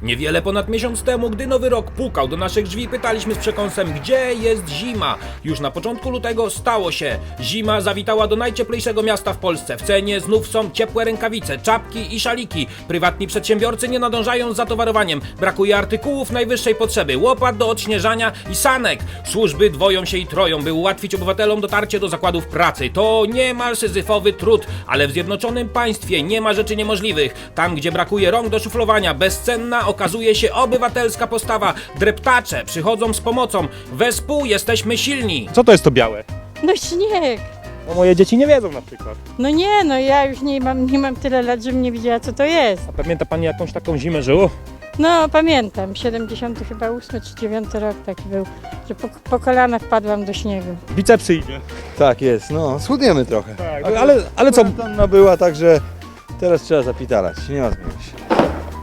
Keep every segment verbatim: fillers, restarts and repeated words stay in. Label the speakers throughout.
Speaker 1: Niewiele ponad miesiąc temu, gdy nowy rok pukał do naszych drzwi, pytaliśmy z przekąsem, gdzie jest zima. Już na początku lutego stało się. Zima zawitała do najcieplejszego miasta w Polsce. W cenie znów są ciepłe rękawice, czapki i szaliki. Prywatni przedsiębiorcy nie nadążają z zatowarowaniem. Brakuje artykułów najwyższej potrzeby, łopat do odśnieżania i sanek. Służby dwoją się i troją, by ułatwić obywatelom dotarcie do zakładów pracy. To niemal syzyfowy trud, ale w Zjednoczonym Państwie nie ma rzeczy niemożliwych. Tam, gdzie brakuje rąk do szuflowania, bezcenna okazuje się obywatelska postawa. Dreptacze przychodzą z pomocą. Wespół jesteśmy silni.
Speaker 2: Co to jest to białe?
Speaker 3: No śnieg.
Speaker 2: No moje dzieci nie wiedzą na przykład.
Speaker 3: No nie, no ja już nie mam, nie mam tyle lat, żebym nie wiedziała, co to jest.
Speaker 2: A pamięta pani jakąś taką zimę żyło?
Speaker 3: No pamiętam, siedemdziesiąty chyba ósmy czy dziewiąty rok taki był, że po, po kolana wpadłam do śniegu.
Speaker 2: Bicepsy idzie.
Speaker 4: Tak jest, no schudniemy trochę.
Speaker 2: Tak,
Speaker 4: A
Speaker 2: ale, ale co?
Speaker 4: Kwarantanna była, także teraz trzeba zapitalać, nie ma zmiany się.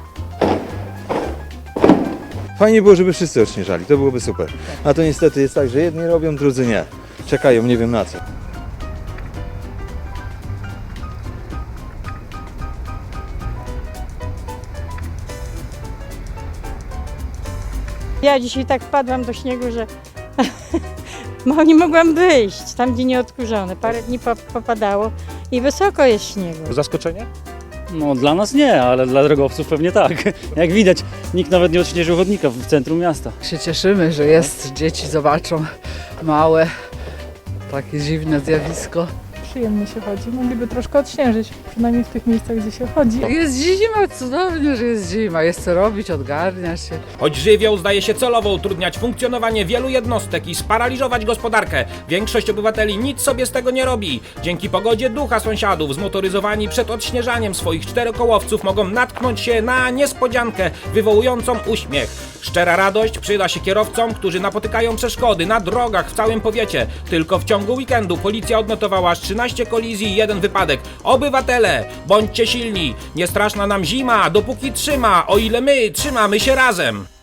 Speaker 4: Fajnie było, żeby wszyscy odśnieżali, to byłoby super. A to niestety jest tak, że jedni robią, drudzy nie. Czekają, nie wiem na co.
Speaker 3: Ja dzisiaj tak wpadłam do śniegu, że no, nie mogłam wyjść, tam gdzie nie odkurzone. Parę dni po, popadało i wysoko jest śniegu.
Speaker 2: Zaskoczenie?
Speaker 5: No dla nas nie, ale dla drogowców pewnie tak. Jak widać, nikt nawet nie odśnieżył chodnika w centrum miasta.
Speaker 6: Się cieszymy, że jest, dzieci zobaczą, małe, takie dziwne zjawisko.
Speaker 7: Przyjemnie się chodzi, mogliby troszkę odśnieżyć, przynajmniej w tych miejscach, gdzie się chodzi.
Speaker 6: Jest zima, cudownie, że jest zima, jest co robić, odgarnia się.
Speaker 1: Choć żywioł zdaje się celowo utrudniać funkcjonowanie wielu jednostek i sparaliżować gospodarkę, większość obywateli nic sobie z tego nie robi. Dzięki pogodzie ducha sąsiadów zmotoryzowani przed odśnieżaniem swoich czterokołowców mogą natknąć się na niespodziankę wywołującą uśmiech. Szczera radość przyda się kierowcom, którzy napotykają przeszkody na drogach w całym powiecie. Tylko w ciągu weekendu policja odnotowała aż trzynaście kolizji i jeden wypadek. Obywatele, bądźcie silni, nie straszna nam zima, dopóki trzyma, o ile my trzymamy się razem.